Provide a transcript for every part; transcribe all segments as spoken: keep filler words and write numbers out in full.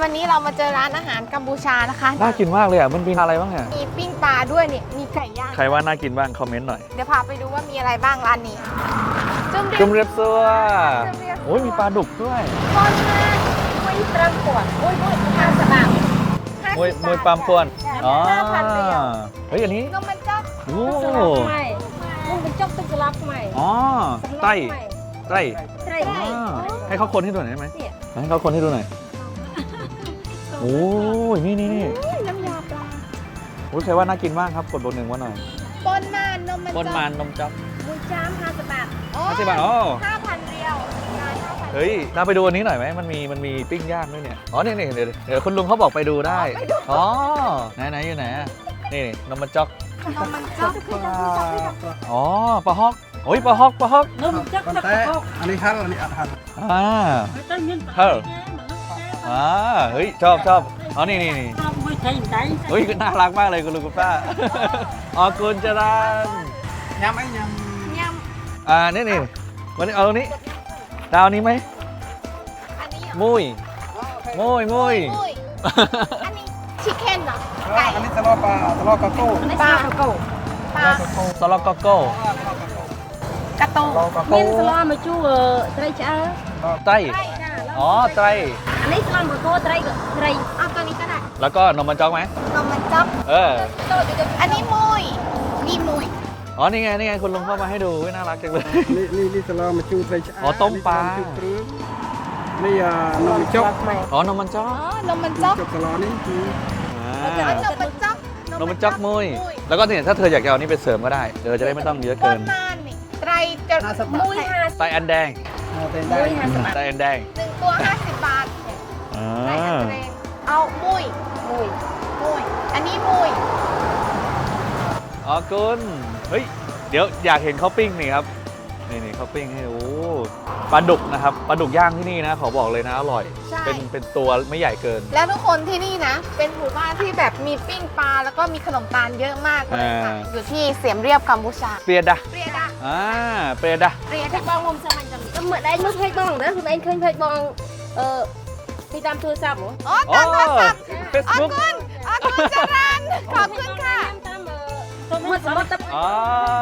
วันนี้เรามาเจอร้านอาหารกัมพูชานะคะน่ากินมากเลยอ่ะมันมีอะไรบ้างเนี่ยมีปิ้งปลาด้วยเนี่ยมีไก่ย่างใครว่าน่ากินบ้างคอมเมนต์หน่อยเดี๋ยวพาไปดูว่ามีอะไรบ้างร้านนี้จุ่มเรียบซัวโอ้ยมีปลาดุกด้วยก้อนมากมวยปลาปวนโอ้ยมวยห้าสิบบาทมวยมวยปลาปวนอ๋อเฮ้ยอันนี้นมมันจ๊อกโอ้ใช่นมมันจ๊อกตึกลับใหม่อ๋อไต้ไต้ไต้ให้เขาคนให้ดูหน่อยได้ไหมให้เขาคนให้ดูหน่อยโอ้ยนี่นี่นี่น้ำยาปลาโอ้ยใครว่าน่ากินบ้างครับกดบนหนึ่งว่าหน่อยปนมานนมมันปนมานนมจ๊อกมูจามห้าสิบบาทห้าสิบบาทอ๋อห้าพันเดียวเฮ้ยเราไปดูอันนี้หน่อยไหมมันมีมันมีปิ้งย่างด้วยเนี่ยอ๋อนี่นี่เดี๋ยวเดี๋ยวคุณลุงเขาบอกไปดูได้อ๋อไหนไหนอยู่ไหนนี่นมมันจ๊อกนมมันจ๊อกอ๋อปลาฮอกโอ้ยปลาฮอกปลาฮอกนมจ๊อกปลาฮอกอันนี้ฮัลอันนี้อัดฮัลอ่าเฮ้ยอ่าเฮ้ยชอบชอบอ๋อนี่นี่นี่เฮ้ยน่ารักมากเลยคุณลุงคุณป้าอ๋อคุณจรัญยำไอ้ยำยำอ่านี่นี่วันนี้เอานี้ดาวนี้ไหมมุยมุยมุยอันนี้ชิคเก้นเหรอไก่อันนี้ตะลอปลาตะลอกระโก้ปลากระโก้ปลาสลอกโก้กระโต้มีสลอมาจูเออไตรจ้าไตรอ๋อไตรอันนี้สลอมกระโก้ไตรไตรเอาตัวนี้ก็ได้แล้วก็นมมันจ๊อกไหมนมมันจ๊อกเอออันนี้มุยนี่มุยอ๋อนี่ไงนี่ไงคุณลุงเข้ามาให้ดูน่ารักจังเลยนี่นี่นี่ตะลอมาจูไตรจ้าอ๋อต้มปลานี่นมจ๊อกอ๋อนมมันจ๊อกอ๋อนมมันจ๊อกตะลอนี่คือนมมันจ๊อกนมมันจ๊อกมุยแล้วก็เนี่ยถ้าเธออยากจะเอานี่ไปเสริมก็ได้เธอจะได้ไม่ต้องเยอะเกินไตรจะมุยห้าไตรอันแดงมุยห้าสิบบาทไตรอันแดงหนึ่งตัวห้าสิบบาทอ่าเอามุยมุยมุยอันนี้มุยอ๋อคุณเฮ้ยเดี๋ยวอยากเห็นเขาปิ้งนี่ครับนี่นี่เขาปิ้งให้โอ้ปลาดุกนะครับปลาดุกย่างที่นี่นะขอบอกเลยนะอร่อยเป็นเป็นตัวไม่ใหญ่เกินแล้วทุกคนที่นี่นะเป็นหมู่บ้านที่แบบมีปิ้งปลาแล้วก็มีขนมตาลเยอะมากเลยค่ะอยู่ที่เสียมเรียบกัมพูชาเปียดะเปียดะอ่าเปียดะเปียดะบองมุมสมันจะมีก็เหมือนไอ้มุกเพชรบองนะคุณไอ้เคยเพชรบองเออที่ตามโทรศัพท์เหรออ๋อตามโทรศัพท์เฟซบุ๊กอ๋อคุณอ๋อคุณจรัญขอบคุณค่ะหมดสมบัติอ๋อ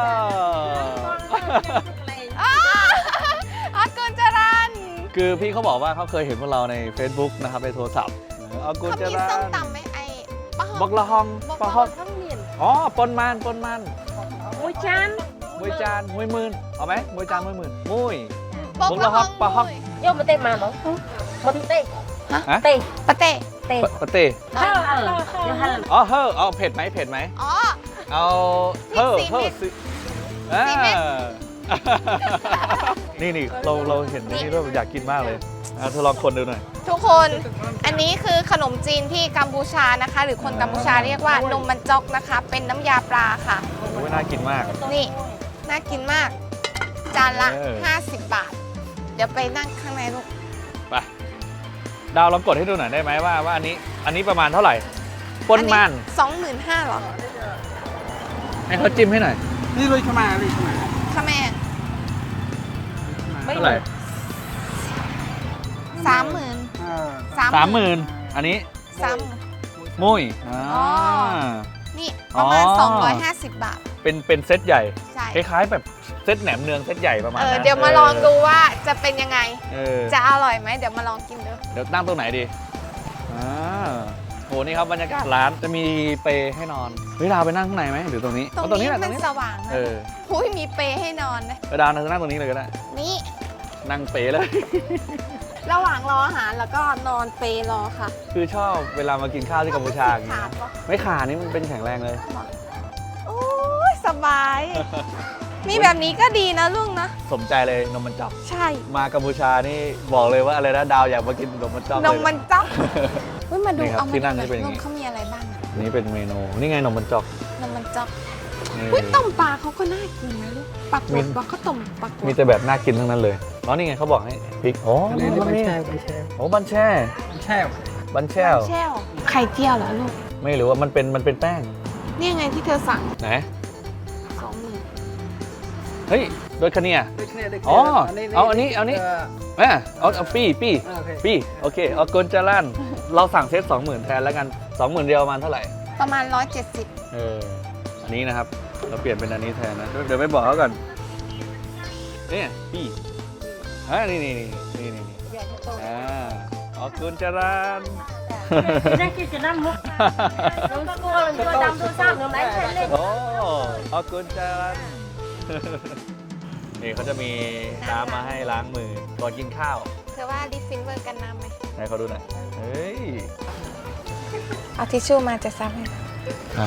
อากุญจรัญคือพี่เขาบอกว่าเขาเคยเห็นพวกเราใน Facebook นะครับในโทรศัพท์อากุญจรัญเขามีส้มตำไหมไอ้บักละฮองปลาฮอกอ๋อปนมันปนมันมวยจานมวยจานมวยหมื่นเอาไหมมวยจานมวยหมื่นมวยบักละฮองปลาฮอกโยมมาเตะมาเหรอมาเตะฮะเตะปะเตะเตะปะเตะอ๋อเฮ้อเอาเผ็ดไหมเผ็ดไหมอ๋อเอาเฮ้อเฮ้อสินี่นี่เราเราเห็นนี่เราอยากกินมากเลยเธอลองคนดูหน่อยทุกคนอันนี้คือขนมจีนที่กัมพูชานะคะหรือคนกัมพูชาเรียกว่านมมันจ๊อกนะคะเป็นน้ำยาปลาค่ะโอ้ยน่ากินมากนี่น่ากินมากจานละห้าสิบบาทเดี๋ยวไปนั่งข้างในลูกไปดาวลองกดให้ดูหน่อยได้ไหมว่าว่าอันนี้อันนี้ประมาณเท่าไหร่ปนมันสองหมื่นห้าหรอให้เขาจิ้มให้หน่อยนี่เลยขมาเลยขมาขมาเท่าไหร่สามหมื่นสามหมื่นอันนี้สามมุ้ยอ๋อนี่ประมาณสองร้อยห้าสิบบาทเป็นเป็นเซตใหญ่คล้ายๆแบบเซตแหนมเนืองเซตใหญ่ประมาณนั้นเดี๋ยวมาลองดูว่าจะเป็นยังไง จะอร่อยไหมเดี๋ยวมาลองกินดูเดี๋ยวนั่งตรงไหนดีอ่าโหนี่ครับบรรยากาศร้านจะมีเปให้นอนเฮ้ยดาวไปนั่งข้างในไหมหรือตรงนี้ตรงนี้มันสว่างนะหุ้ยมีเปให้นอนนะดาวนั่งตรงนี้เลยก็ได้นี่นั่งเปเลยระหว่างรออาหารแล้วก็นอนเปรอค่ะคือชอบเวลามากินข้าวที่กัมพูชาอย่างนี้ไม่ขาดนี่มันเป็นแข็งแรงเลยโอ้ยสบายมีแบบนี้ก็ดีนะลุงนะสมใจเลยนมมันจ๊อกใช่มากัมพูชานี่บอกเลยว่าอะไรนะดาวอยากมากินนมมันจ๊อกนมมันจ๊อกเฮ้ยมาดูเอาที่นั่งนี่เป็นอย่างนี้เขามีอะไรบ้างนี่เป็นเมนูนี่ไงนมมันจ๊อกนมมันจ๊อกอุ้ยต้มปลาเขาก็น่ากินนะลูกปักหมุดว่าเขาต้มปักมีแต่แบบน่ากินทั้งนั้นเลยแล้วนี่ไงเขาบอกให้พริกโอ้นี่บันแช่บันแช่โอ้บันแช่บันแช่บันแช่แช่ไข่เจียวเหรอลูกไม่รู้ว่ามันเป็นมันเป็นแป้งนี่ไงที่เธอสั่งไหนสองหมื่นเฮ้ยโดยคะเนียដូចគ្នាដូចគ្នាอ๋อเอาอันนี้เอานี้ แม่เอาเอาปี้ปี้អូខេปี้โอเคเอากุนจารันเราสั่งเซตสองหมื่นแทนแล้วกันสองหมื่นเดียวประมาณเท่าไหร่ประมาณร้อยเจ็ดสิบเอออันนี้นะครับ เราเปลี่ยนเป็นอันนี้แทนนะ เดี๋ยวไปบอกเขาก่อนเนี่ยปี้อ่านี่นี่นี่นี่นี่นี่อ่าเอากุนจารัน đây kia chỉ năm lúc chúng ta cô mình cho đam tôi sao nó đánh lên lên โอ้เอากุนจารัน นี่เขาจะมีน้ำมาให้ล้างมือก่อนกินข้าวเธอว่าดิฟินเวอร์กันน้ำไหมไหนเขาดูหน่อยเฮ้ยเอาทิชชู่มาจะซับให้อ่ะ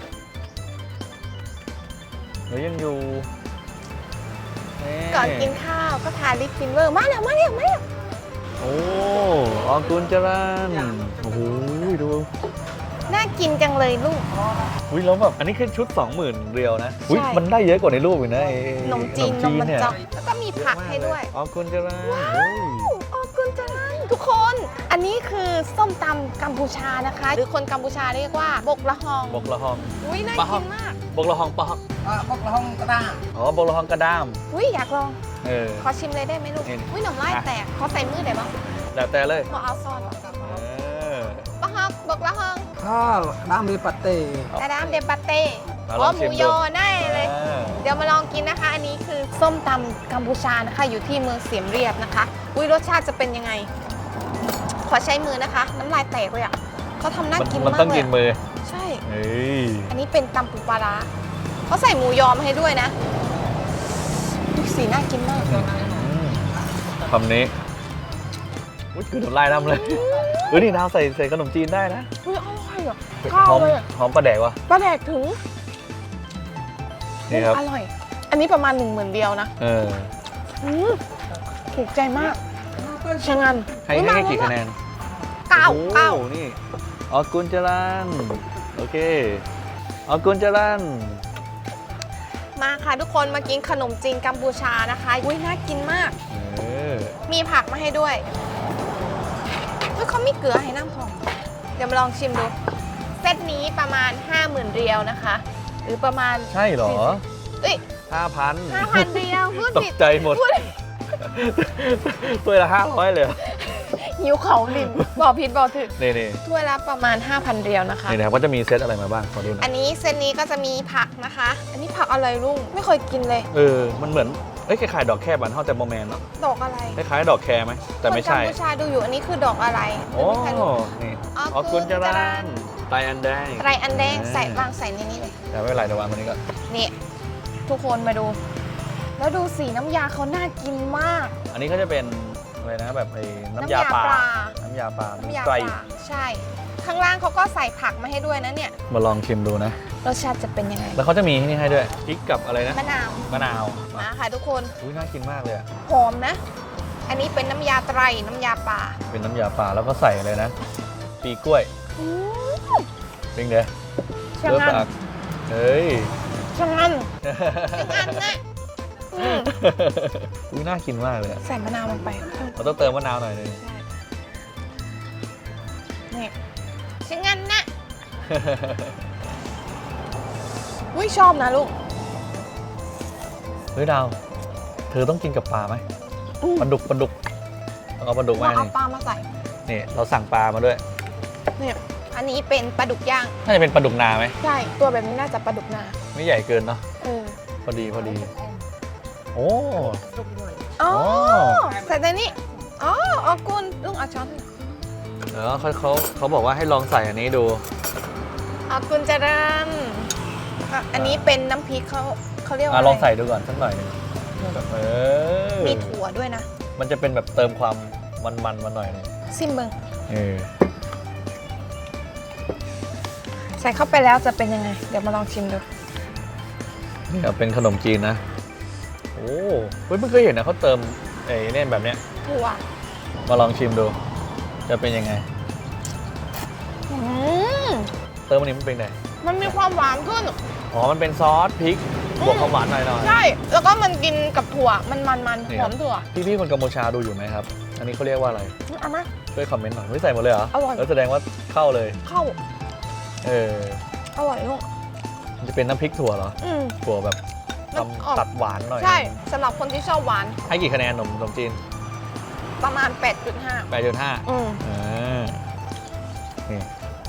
เดี๋ยวยังอยู่นี่ก่อนกินข้าวก็ทาลิปฟินเวอร์มาแล้วมาแล้วมาแล้วโอ้ออกุนจารันโอ้โหดูน่ากินจังเลยลูกอุ้ยแล้วแบบอันนี้คือชุด สองหมื่น เรียวนะอุ้ยใช่มันได้เยอะกว่าในรูปอีกนะไอ้ขนมจีนนมมันเนี่ยจอกแล้วก็มีผักให้ด้วยออกุนจารันโอ้ยโอ้กุนจารันทุกคน อันนี้คือส้มตำกัมพูชานะคะ หรือคนกัมพูชาเรียกว่าบกละฮองบกละหองอุ้ยน่าปะฮกิองนมากบกละหองปะฮองអបុកលហុងក្តារอ๋อบกละหองกระด้ามอุ้ยอยากลองเออขอชิมเลยได้ไหมลูกนี่อุ้ยหน่อไม้อ่ะแตกขอใส่มือได้ปะแล้วแต่เลยขอเอาซอนเออปะฮอกบกละฮองខលក្តាមវាប៉ាតេกระดามเดปาเต้มาลอ๋ออง หชิมูมยดูอได้เลยเออเดี๋ยวมาลองกินนะคะ อันนี้คือส้มตำกัมพูชานะคะ อยู่ที่เมืองเสียมเรียบนะคะ อุ้ยรสชาติจะเป็นยังไง ขอใช้มือนะคะ น้ำลายแตกเลยอ่ะเขาทำน่ามันกินมันมากต้องเลกิยนอะมือใช่เฮ้ยอันนี้เป็นตำปูปลาร้าเขาใส่หมูยอมาให้ด้วยนะดูสีน่ากินมากคำนี้อุ้ยคือน้ำลายน้ำเลยเออนี่ดาวใส่ใส่ขนมจีนได้นะอุ้ยอร่อยอ่ะข้าวหอมเลยอะหอมปลาแดกวะปลาแดกถึงนี่ครับอร่อย อันนี้ประมาณหนึ่งหมื่นเดียวนะเอออืมถูกใจมากชะงันให้อุ๊ยให้มากี่แล้วคะแนนเก้าโอ้โหเก้านี่ออกุนจารันโอเคออกุนจารันมาค่ะทุกคนมากินขนมจีนกัมพูชานะคะอุ้ยน่ากินมากเออมีผักมาให้ด้วยเฮ้ยเขามีเกลือให้น้ำพองเดี๋ยวมาลองชิมดู เซตนี้ประมาณ ห้าหมื่น เรียวนะคะ หรือประมาณใช่เหรอเอ้ยห้าพันห้าพัน เรียวพูดตผิกดใจหมดพูดตัวละห้าร้อยเลยเหรอหิวเขาดิบอกผิดบอกถูกนี่นี่ถ้วยละประมาณ ห้าพัน เรียวนะคะนี่นะครับก็จะมีเซตอะไรมาบ้างขอดูหน่อัอยนนี้เซตนี้ก็จะมีผักนะคะ อันนี้ผักอะไรลุงไม่เคยกินเลยเออมันเหมือนเอ้ยคล้ายๆดอกแคบานเท่าแต่โมแมนเนาะดอกอะไรคล้ายๆดอกแคไหมแต่ไม่ใช่คนกัมพูชาดูอยู่อันนี้คือดอกอะไรโอ้ไม่มีใครรู้นี่ออออกุกุนนจาจารัรันนไตอันแดงไรอันแดงใส่วางใส่ในนี้เลยแต่ไม่เป็นไรเดี๋ยววางตรงนี้ก่อนนี่ทุกคนมาดู แล้วดูสีน้ำยาเขาน่ากินมากอันนี้ก็จะเป็นอะไรนะแบบไอ้น้ำยาปลา น้ำยาปลาน้ำยาไตรปลาใช่ ข้างล่างเขาก็ใส่ผักมาให้ด้วยนะเนี่ยมาลองชิมดูนะรสชาติจะเป็นยังไงแล้วเขาจะมีที่นี่ให้ด้วยพริกกับอะไรนะมะนาวมะนาวมาค่ะทุกคนอุ้ยน่ากินมากเลยอะหอมนะ อันนี้เป็นน้ำยาไตรน้ำยาปลาเป็นน้ำยาปลาแล้วก็ใส่อะไรนะ ปีกล้วยอืมจริงเด้อชะเลืองันปากเฮ้ยชะงันชะงันนะอืมอุ้ยน่ากินมากเลยอะใส่มะนาวลงไปเราต้องเติมมะนาวหน่อยหนึงใช่นี่ชะงันนะอุ้ยชอบนะลูกเฮ้ยดาว เธอต้องกินกับปลาไหมอืมปลาดุกปลาดุกต้องเอาปลาดุกเรามาเอานี่ปลามาใส่นี่เราสั่งปลามาด้วยเนี่ยอันนี้เป็นปลาดุกย่างน่าจะเป็นปลาดุกนาไหมใช่ ตัวแบบนี้น่าจะปลาดุกนาไม่ใหญ่เกินเนาะเออพอดีพอดี โอ้อ๋ออ๋อใส่ในนี้ อ๋ออ๋อกุนลุงเอาช้อนเออเขาเขาเขาบอกว่าให้ลองใส่อันนี้ดูอ๋อกุนเจริญอ่ะอันนี้เป็นน้ำพริกเขาเขาเรียกว่าอ่ะอะไรลองใส่ดูก่อนสักหน่อยหนึงแบบเออมีถั่วด้วยนะมันจะเป็นแบบเติมความมันๆมาหน่อยหนึงซิมเบิงเออใส่เข้าไปแล้วจะเป็นยังไง เดี๋ยวมาลองชิมดูนี่ครับเป็นขนมจีนนะ โอ้เฮ้ยเพิ่งเคยเห็นนะเขาเติมไอ้เนี่ยแบบเนี้ยถั่วมาลองชิมดู จะเป็นยังไงอืมเติมอันนี้มันเป็นไงมันมีความหวานขึ้นอ๋อมันเป็นซอสพริกบวกความหวานหน่อยหน่อยใช่ แล้วก็มันกินกับถั่ว มันมันมันนี่หครัอบ มถั่วพี่พี่ๆคนกัมพูชาดูอยู่ไหมครับ อันนี้เขาเรียกว่าอะไรเอามาช่วยคอมเมนต์หน่อยไม่ใส่หมดเลยเหรออร่อยแล้วแสดงว่าเข้าเลยเข้าเอออร่อยลูกมันจะเป็นน้ำพริกถั่วเหรออืมถั่วแบบทำตัดหวานหน่อยใช่สำหรับคนที่ชอบหวานให้กี่คะแนนขนมขนมจีนประมาณ แปดจุดห้าแปดจุดห้าอืมอ่านี่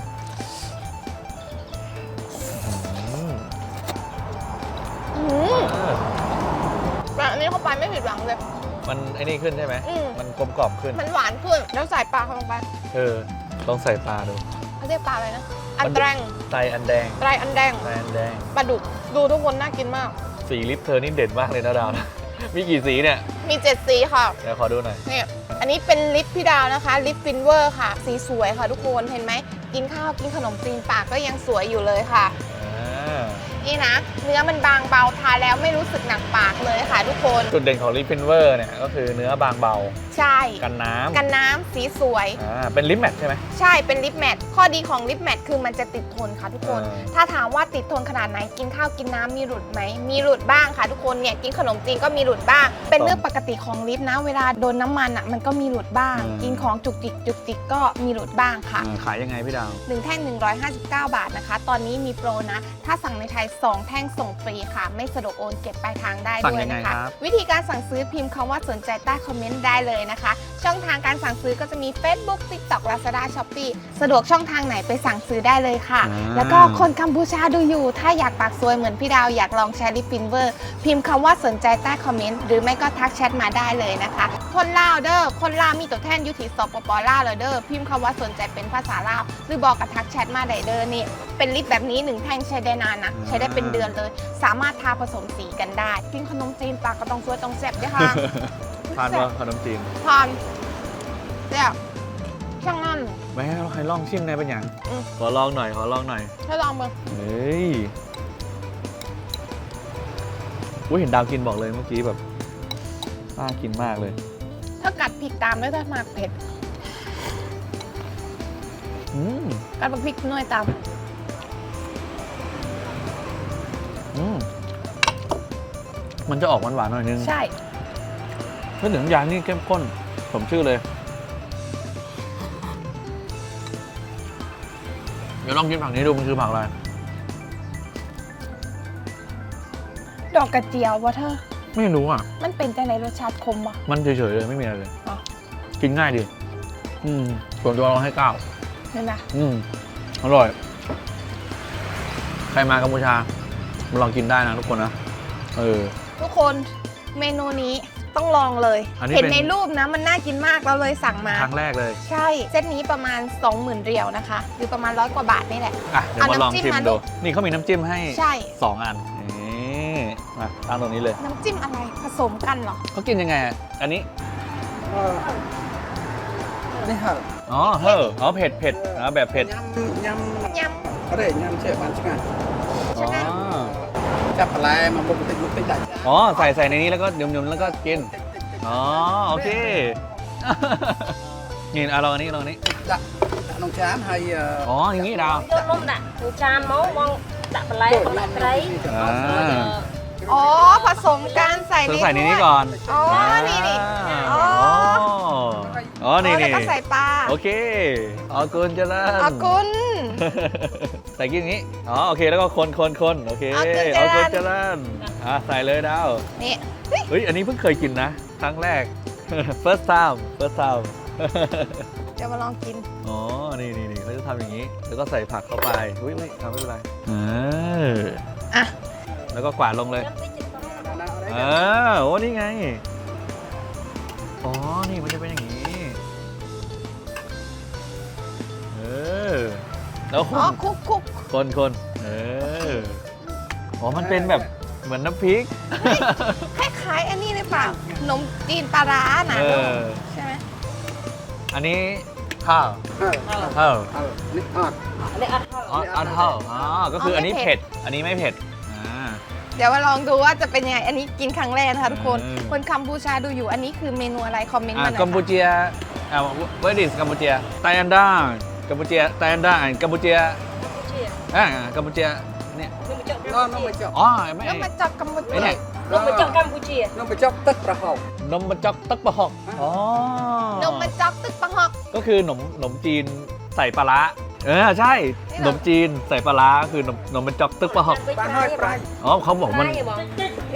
อืมอืมแต่อันนี้เข้าไปไม่ผิดหวังเลยมันไอ้นี่ขึ้นใช่ไหมอืมมันกลมกล่อมขึ้นมันหวานขึ้น แล้วใส่ปลาเข้าลงไปเออลองใส่ปลาดูเขาเรียกปลาอะไรนะ อันแดงไตอันแดงไตรอันแดงไตอันแดงปลาดุก ดูทุกคนน่ากินมากสีลิปเธอนี่เด่นมากเลยนะดาวนะ มีกี่สีเนี่ยมีเจ็ดสีค่ะเดี๋ยวขอดูหน่อยเนี่ย อันนี้เป็นลิปพี่ดาวนะคะ ลิปฟินเวอร์ค่ะ สีสวยค่ะทุกคน เห็นไหม กินข้าวกินขนมจีนปากก็ยังสวยอยู่เลยค่ะอ่านี่นะ เนื้อมันบางเบาทานแล้วไม่รู้สึกหนักปากเลยค่ะทุกคนจุดเด่นของลิปฟินเวอร์เนี่ยก็คือเนื้อบางเบาใช่กันน้ำกันน้ำสีสวยอ่าเป็นลิปแมทใช่ไหมใช่เป็นลิปแมทข้อดีของลิปแมทคือมันจะติดทนค่ะทุกคนเออถ้าถามว่าติดทนขนาดไหนกินข้าวกินน้ำมีหลุดไหมมีหลุดบ้างค่ะทุกคนเนี่ยกินขนมจีนก็มีหลุดบ้าง เป็นเรื่องปกติของลิปนะ เวลาโดนน้ำมันอ่ะมันก็มีหลุดบ้าง กินของจุกจิกจุกจิกก็มีหลุดบ้างค่ะอ่าขายยังไงพี่ดาวหนึ่งแท่งหนึ่งร้อยห้าสิบเก้าบาทนะคะ ตอนนี้มีโปรนะ ถ้าสั่งในไทยสองแท่งส่งฟรีค่ะ ไม่สะดวกโอนเก็บปลายทางได้สั่งด้วยยังไงนะคะครับวิธีการสั่งซื้อพิมพ์คำว่าสนใจใต้คอมเมนต์ได้เลยนะคะ ช่องทางการสั่งซื้อก็จะมี Facebook TikTok Lazada Shopee สะดวกช่องทางไหนไปสั่งซื้อได้เลยค่ะอ่าแล้วก็คนกัมพูชาดูอยู่ ถ้าอยากปากซวยเหมือนพี่ดาวอยากลองใช้ลิปฟินเวอร์พิมพ์คำว่าสนใจใต้คอมเมนต์หรือไม่ก็ทักแชทมาได้เลยนะคะ คนลาวเด้อคนลาวมีตัวแทนอยุติสปปลาวเลยเด้อพิมพ์คำว่าสนใจเป็นภาษาลาวหรือบอกกับทักแชทมาได้เด้อนี่เป็นลิปแบบนี้หนึ่งแท่งใช้ได้นานนะใช้ได้เป็นเดือนเลย สามารถทาผสมสีกันได้ กินขนมจีนปากก็ต้องสวยต้องแซ่บด้วยค่ะทานว่าขนมจีนทานแซ่บช่างนั่นไม่ให้ใครลองชิมในเป็นอย่างอืมขอลองหน่อยขอลองหน่อยให้ลองมือเฮ้ยอุ้ยเห็นดาวกินบอกเลยเมื่อกี้แบบน่ากินมากเลยถ้ากัดพริกตามด้วยถ้ามากเผ็ดอืมกัดพริกน้อยตามอืมมันจะออกหวานๆหน่อยนึงใช่เพื่อนถึงยางนี่เข้มข้นสมชื่อเลย เดี๋ยวลองกินผักนี้ดูมันคือผักอะไรดอกกระเจียววะเธอไม่รู้อ่ะมันเป็นแต่ในรสชาติคมวะมันเฉยๆเลยไม่มีอะไรเลยอ๋อกินง่ายดี อืมส่วนตัวเราให้เก้าเห็นไหมอืมอร่อย ใครมากัมพูชามาลองกินได้นะทุกคนนะ เออทุกคนเมนูนี้ต้องลองเลยอันนี้เห็นเป็นในรูปนะมันน่ากินมากเราเลยสั่งมาครั้งแรกเลยใช่เซตนี้ประมาณ สองหมื่น เรียวนะคะ หรือประมาณร้อยกว่าบาทนี่แหละอ่ะ เดี๋ยวมาลองเอาน้ำจิ้มชิมมาดูดูนี่เขามีน้ำจิ้มให้ใช่สองอัน นี่มาตั้งตรงนี้เลยน้ำจิ้มอะไรผสมกันเหรอเขากินยังไงอ่ะอันนี้เออนี่เหรออ๋อเฮ้ออ๋อเผ็ดเผ็ดอ๋อแบบเผ็ดยำยยำอะไรยำเชฟบันใช่ไหมอ๋อจับอะไรมาบุกติดบุกติดได้อ๋อ ใส่ใส่ในนี้แล้วก็ยมๆแล้วก็กิน อ๋อ โอเค นี่เอาลองอันนี้ลองอันนี้จะน้องช้างให้เอ่ออ๋อ อย่างนี้ดาวយកនំដាក់ក្នុងចានមកបងដាក់បន្លែបងដាក់ត្រីอ่าำอ๋อผสมกันใส่เธในอใส่ในนี้ถ้วยก่อนอ๋อนี่นี่าอ๋ออ๋อ นี่แล้วนี่ก็ใส่ปลาโอเคอ๋อกุนเจริญอากุนใส่กินอย่างนี้ อ๋อ โอเค แล้วก็คนคนคนโอเคเอากุนเจริญกุนเจริญอ่ะใส่เลยดาวนี่เฮ้ย อันนี้เพิ่งเคยกินนะ ครั้งแรก first time first time เดี๋ยวมาลองกินอ๋อ นี่นี่นี่เขาจะทำอย่างนี้ แล้วก็ใส่ผักเข้าไป อุ้ยอุ้ยทำไม่เป็นไรเอออ่ะแล้วก็กวาดลงเลย เออ โอ้ นี่ไง อ๋อ นี่มันจะเป็นอย่างนี้ เออ แล้วคอ๋อน คุกคุกคนคนเออ อ๋อ มันเป็นแบบเหมือนน้ำพริกคล้ายๆอันนี้หรือเปล่าขนมจีนปลาร้านะเออใช่ไหมอันนี้ข้าวเออเออข้าวเออนี่ออดនេះអត់ហើយอ๋ออันข้าวอ๋อ ก็คืออันนี้เผ็ด อันนี้ไม่เผ็ด อ่าเดี๋ยวมาลองดูว่าจะเป็นยังไง อันนี้กินครั้งแรกนะคะทุกคนอืมคนกัมพูชาดูอยู่ อันนี้คือเมนูอะไร คอมเมนต์อ่ามาหน่อยกัมพูค่ะเชียอ่า where is กัมพูเชียไตอันด้ากัมพูเชียไตอันด้ากัมพูเชียជាอ่ากัมพูเชียเนี่ยនំបញ្ចុកน้องน้องไปจับอ๋อ ไม่แล้วมาจากกัมพูไอ้ชาเนี่ยនំបញ្ចុកកម្ពុជាน้องไปจับตึกประหอบนมบัจจอกตักปะหอก อ๋อนมมาจอกตึกปังหอกก็คือขนมขนมจีนใส่ปลาร้าเออ ใช่นี่เหรอขนมจีนใส่ปลาร้าคือนมขนมบัจจอกตึกปะหอกบ้านห้อยปลายอ๋อเขาบอกมันបងញ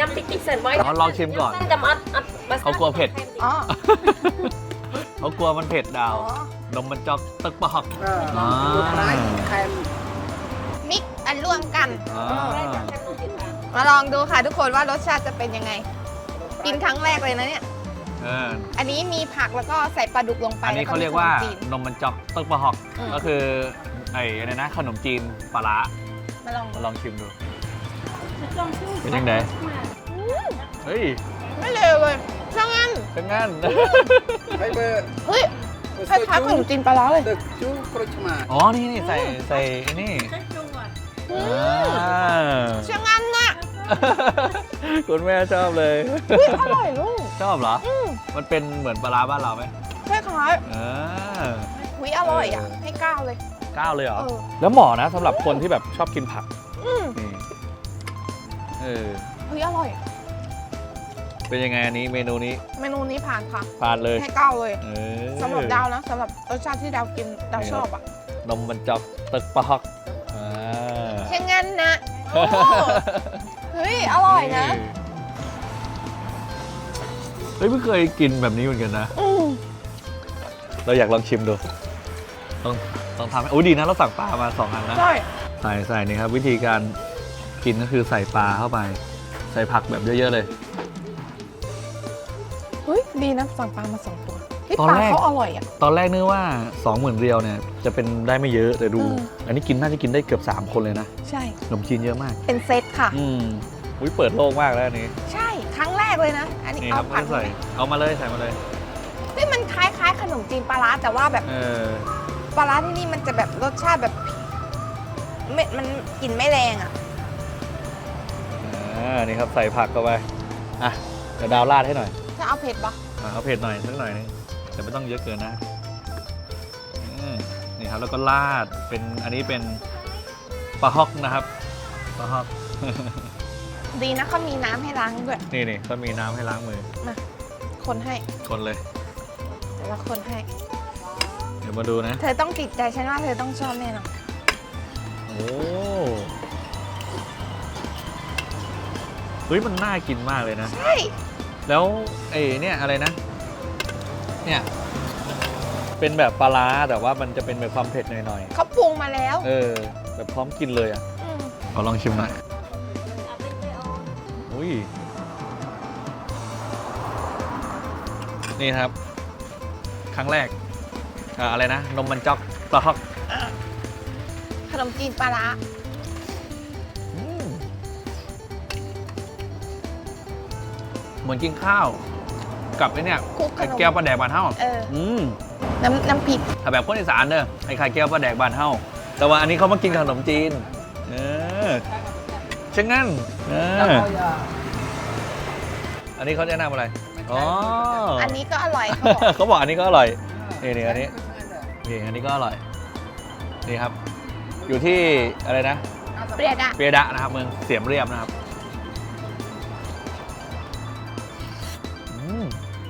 ยำติ๊กติ๊กเสิร์ฟไว้ลองชิมก่อนจำอัดอัดเขากลัวเผ็ดอ๋อเขากลัวมันเผ็ดดาวอ๋อนมมันจอกตึกปอกเออลูกไม้แคมมิกอันร่วมกันอ่ามาลองดูค่ะทุกคนว่ารสชาติจะเป็นยังไง กินครั้งแรกเลยนะเนี่ยเอออันนี้มีผักแล้วก็ใส่ปลาดุกลงไปอันนี้แล้เขามีเรียกว่าขนมจีนนมมันจอกตึกปอกอืมก็คือไอ้อะไรนะขนมจีนปลาร้ามาลองมาลองชิมดู เป็นยังไงเฮ้ยไม่เลวเลยช่างงั้นเป็นงั้นไฟเบอร์เฮ้ยคล้ายๆขนมจีนปลาร้าเลยตึกจูโปรชมาอ๋อ นี่นี่ใส่ใส่ไอ้นี่อือ่ามช่างงั้นน่ะคุณแม่ชอบเลยอุ๊ยอร่อยลูกชอบเหรออืมมันเป็นเหมือนปลาร้าบ้านเราไหมคล้ายเออๆหุยอร่อยอ่ะเออให้เก้าเลยก้าวเลยเหรอเออแล้วเหมาะนะสำหรับคนที่แบบชอบกินผักอืมนี่ เออหุยอร่อยเป็นยังไงอันนี้เมนูนี้เมนูนี้ผ่านค่ะผ่านเลยให้เก้าเลยเออสำหรับดาวนะสำหรับรสชาติที่ดาวกินดาวชอบอ่ะนมมันจอกตึกปะฮอกอ่าช่างงั้นนะโอ้เฮ้ยอร่อยนะเฮ้ยไม่เคยกินแบบนี้เหมือนกันนะอืมเราอยากลองชิมดู ต้องต้องทำให้โอ้ยดีนะเราสั่งปลามาสองอันนะใช่ใส่ใส่นี่ครับวิธีการกินก็คือใส่ปลาเข้าไป ใส่ผักแบบเยอะๆเลยเฮ้ยดีนะสั่งปลามาสองตัวที่ตอนปลาแรกเขาอร่อยอ่ะตอนแรกนึกว่าสองหมื่นเรียวเนี่ยจะเป็นได้ไม่เยอะแต่ดูเอออันนี้กินน่าจะกินได้เกือบสามคนเลยนะใช่ขนมจีนเยอะมากเป็นเซตค่ะอืมอุ้ยเปิดโลกมากแล้วอันนี้ใช่ครั้งแรกเลยนะ อันนี้นี่คเอารับผัไม่ดได้ใส่เอามาเลยใส่มาเลยเฮ้ยมันคล้ายๆขนมจีนปลาร้าแต่ว่าแบบเออปลาร้าที่นี่มันจะแบบรสชาติแบบไม่มันกลิ่นไม่แรงอ่ะอ่านี่ครับใส่ผักเข้าไปอ่ะเดี๋ยวดาวราดให้หน่อยจะเอาเผ็ดปะอ่ะเอาเผ็ดหน่อยสักหน่อยนึงแต่ไม่ต้องเยอะเกินนะอืมนี่ครับแล้วก็ราดเป็นอันนี้เป็นปลาฮอกนะครับปลาฮอกดีนะเขามีน้ำให้ล้างด้วยนี่นี่ก็มีน้ำให้ล้างมือคนให้คนเลยแต่ละคนให้เดี๋ยวมาดูนะเธอต้องติดใจฉันว่าเธอต้องชอบแน่นอนโอ้เฮ้ยมันน่ากินมากเลยนะใช่แล้วไอ้เนี่ยอะไรนะ เนี่ย เป็นแบบปลาร้าแต่ว่ามันจะเป็นแบบความเผ็ดหน่อยเขาปรุงมาแล้วๆ เออ แบบพร้อมกินเลยอ่ะมขอลองชิมหน่อย อุ้ย นี่ครับ ครั้งแรกอ่าอะไรนะ นมมันจอกปลาฮอกขนมจีนปลาร้าอืมเหมือนกินข้าว กับไอ้เนี่ยคลุกขไข่นมแก้วปลาแดกบานเท่าเอออืมน้ำน้ำพริกถ้าแบบคนอีสานเด้อไอ้ไข่แก้วปลาแดกบานเท่า แต่ว่าอันนี้เขามากินขนมจีน เออเช่นงั้นเอแล้วอก็อย่าอันนี้เขาแนะนำอะไร อ๋ออัอันนี้ก็อร่อยเขาบอกเขาบอกอันนี้ก็อร่อย นี่นี่อันนี้ นี่อันนี้ก็อร่อย นี่ครับ อยู่ที่อะไรนะเปรี้ยดอะเปียดะนะครับเมืองเสียมเรียบนะครับอืม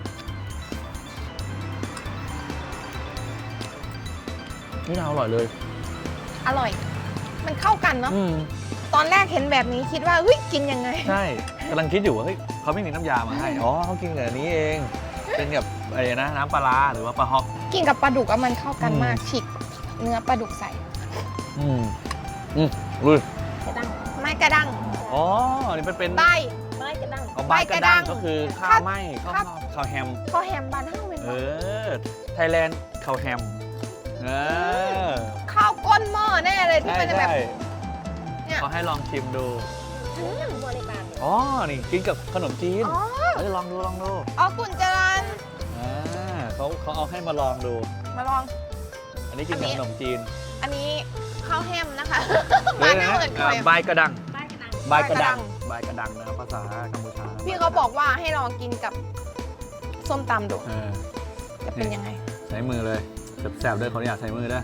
นี่น่าอร่อยเลยอร่อย มันเข้ากันเนาะอืมตอนแรกเห็นแบบนี้คิดว่าเฮ้ยกินยังไงใช่กำลังคิดอยู่ว่าเฮ้ยเขาไม่มีน้ำยามาให้ อ๋อเขากินกับอันนี้เอง เป็นกับอะไรนะน้ำปลาร้าหรือว่าปลาฮอกกินกับปลาดุกอะมันเข้ากันอืมมากฉีกเนื้อปลาดุกใส่อืมอืมลุยกระดังไม้กระดังอ๋อ นี่เป็นเป็นใบไม้กระดังเอาใบกระด้างก็คือข้าวไหม้ข้าวครับข้าวแฮมข้าวแฮมบานเฮ้าเป็นเอปะอ ไทยแลนด์ข้าวแฮม เออข้าวก้นหม้อแน่เลยที่ใช่มันจะแบบใช่เนี่ยเขาให้ลองชิมดูยังบัวในบ้านอ๋อ นี่กินกับขนมจีนอ๋อเฮ้ยลองดูลองดูอ๋อกุนจรันอ่าเขาเขาเอาให้มาลองดูมาลองอันนี้กินอันกับนี้ขนมจีนอันนี้ข้าวแฮมนะคะเลบ้าย นนะเฮาเอินอ่าข้าวแฮมใบกระดังไม้กระดังใบกระดังใบกระดังใบกระดังนะครับภาษากัมพูชานะพี่เขาบอกว่าให้ลองกินกับส้มตำดูเออจะเป็นยังไงใช้มือเลยแสบๆด้วยขออนุญาตใช้มือด้วย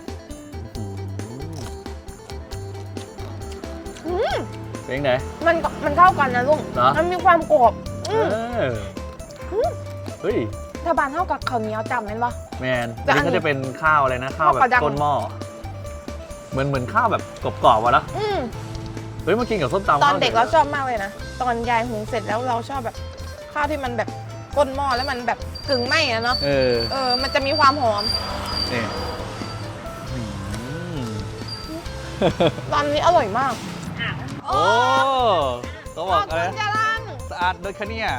อืมเป็นยังไงมันก็มันเข้ากันนะลุงเหรอมันมีความกรอบเออืมอเฮ้ยถ้าบานเท่ากับข้าวเหนียวจำเป็นปะแมนแต่อันอันนี้เขาจะเป็นข้าวอะไรนะ ข้าวแบข้าวกบระดังก้นหม้อเหมือนเหมือนข้าวแบบกรอบๆวะแล้วอืมเฮ้ยมากินกับส้มตำตอนเด็กเราข้วหชอบมากเลยนะ ตอนยายหุงเสร็จแล้วเราชอบแบบข้าวที่มันแบบก้นหม้อแล้วมันแบบกึ่งไหม้อะเนาะเออเออ มันจะมีความหอมนี่อืมตอนนี้อร่อยมากโอ้เขาขบออก บอะไรคุณนะจารันสะอาดโดยคะเนี่ย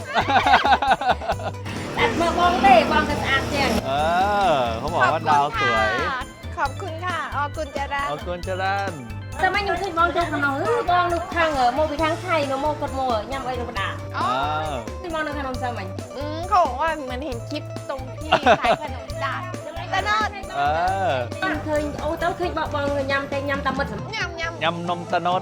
แต่มาบองเต้บองกันสะอาดแจ้งเออเขาบอกว่าดาวสวยขอบคุณค่ะขอบคุณจารันเอากุนจรันแต่ไม่ยังเคยบองเจ้าขนมบองนึกทางเออโมไปทางไทยเนาะโมกดโมยำไอ้ลูกดาอ๋อที่บองนึกขนมสมัยอืมเขาบอกว่าเหมือนเห็นคลิปตรงที่ขายขนมจานตะนอดเออเคยโอ้เต้าเคยบอกบองยำแต่ยำตำมัดสมยำยำยำนมตะนด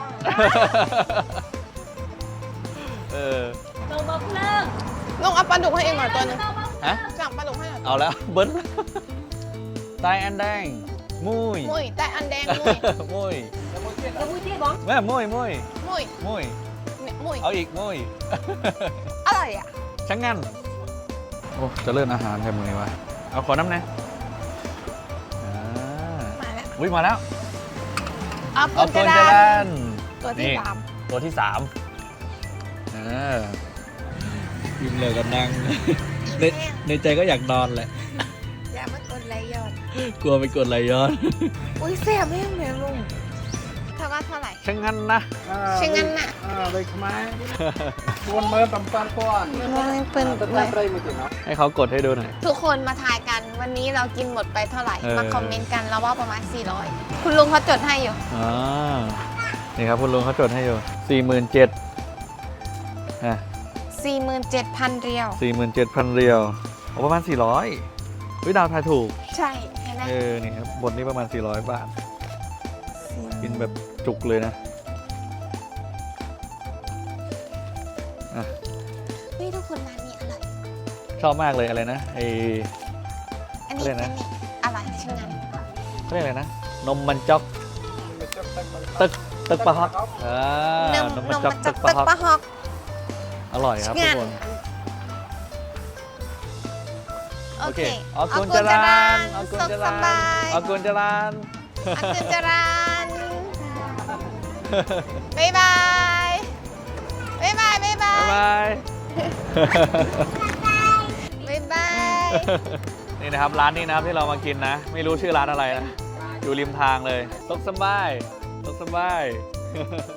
เออโตบอกเลิกลุงเอาปลาดุกให้เองหน่อยตัวหนึงฮะสั่งปลาดุกให้หน่อยเอาแล้ว เบิ้ลตายอันแดง มุยมุ้ยแต่อันแดงมุ้ยมุยจะพูดที่บองแม่มุยมุยมุ้ยมุยเนี่ยมุ้ยเอาอีกมุยอะไรอ่ะช่างงั้น โอ้ จะเลื่อนอาหารแทนมือวะ เอาขอน้ำนะอ่ามาแล้วอุ้ยมาแล้วเอาเอาปุตันวจะจะดาดันนตัวที่นี่สามตัวที่สามเออยิ้มเลยกันนั่ง ในในใจก็อยากนอนแหละอย่ามากดไลค์ยอดกลัวไปกดไหลย้อนอุ้ยแซ่บไม่แม่ลุงเธอว่าเท่าไหร่ช่างงั้นนะชิงงั้นน่ะอ่าเลยขมายวนเมื่อตำปานก้อนไม่เปิ้ลแต่ตำไรมากินเนาะให้เขากดให้ดูหน่อยทุกคนมาทายกันวันนี้เรากินหมดไปเท่าไหร่เออมาคอมเมนต์กันเราว่าประมาณสี่ร้อยคุณลุงเขาจดให้อยู่อ่านี่ครับคุณลุงเขาจดให้อยู่สี่หมื่นเจ็ดอ่ะสี่หมื่นเจ็ดพันเรียวสี่หมื่นเจ็ดพันเรียวเอาประมาณสี่ร้อยวิดาวทายถูกใช่เห็นไหมเออ นี่ครับบนนี้ประมาณสี่ร้อยบาท กินแบบจุกเลยนะ อ่ะเฮ้ยทุกคนร้านนี้อร่อยชอบมากเลยอะไรนะไออันนี้อะไรอันนะนี้อร่อยชิงงั้นเขาเรียกอะไรนะ นมมันจ๊อกตึกตึกปะฮอกอ่านมนมนมันมจ๊อกมันตึจะกตึปะกฮอกปะฮอกอร่อยครับทุกคนโอเคเอาเอากุญกุจญจราราน นเอากุญสุขจสรานบายเอากุญจรานเอากุญจรานบ๊ายบายบ๊ายบายบ๊ายบาบ๊ายยบายบ๊ายบายนี่นะครับร้านนี้นะครับที่เรามากินนะ ไม่รู้ชื่อร้านอะไรนะ อยู่ริมทางเลยตกสบายตกสบาย